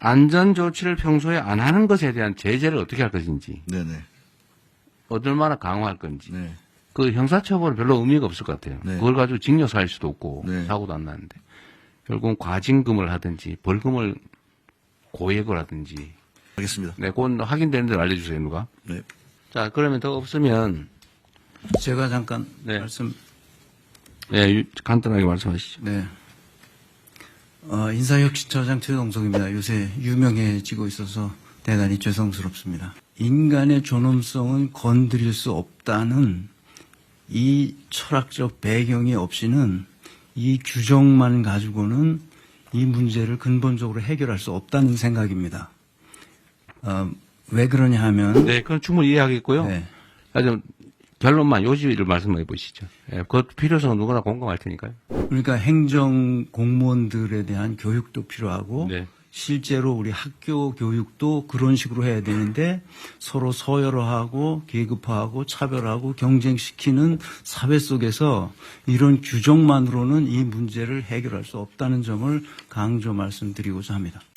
안전조치를 평소에 안 하는 것에 대한 제재를 어떻게 할 것인지, 네네. 얼마나 강화할 건지, 네. 그 형사처벌은 별로 의미가 없을 것 같아요. 네. 그걸 가지고 징역 살 수도 없고, 네. 사고도 안 나는데. 결국은 과징금을 하든지, 벌금을 고액을 하든지. 알겠습니다. 네, 그건 확인되는 대로 알려주세요, 누가. 네. 자, 그러면 더 없으면, 제가 잠깐 네. 말씀. 네, 간단하게 말씀하시죠. 네. 인사혁신처장 최동석입니다. 요새 유명해지고 있어서 대단히 죄송스럽습니다. 인간의 존엄성은 건드릴 수 없다는 이 철학적 배경이 없이는 이 규정만 가지고는 이 문제를 근본적으로 해결할 수 없다는 생각입니다. 왜 그러냐 하면. 네, 그건 충분히 이해하겠고요. 네. 좀 결론만 요지를 말씀해 보시죠. 예, 그 필요성은 누구나 공감할 테니까요. 그러니까 행정 공무원들에 대한 교육도 필요하고 네. 실제로 우리 학교 교육도 그런 식으로 해야 되는데 서로 서열화하고 계급화하고 차별하고 경쟁시키는 사회 속에서 이런 규정만으로는 이 문제를 해결할 수 없다는 점을 강조 말씀드리고자 합니다.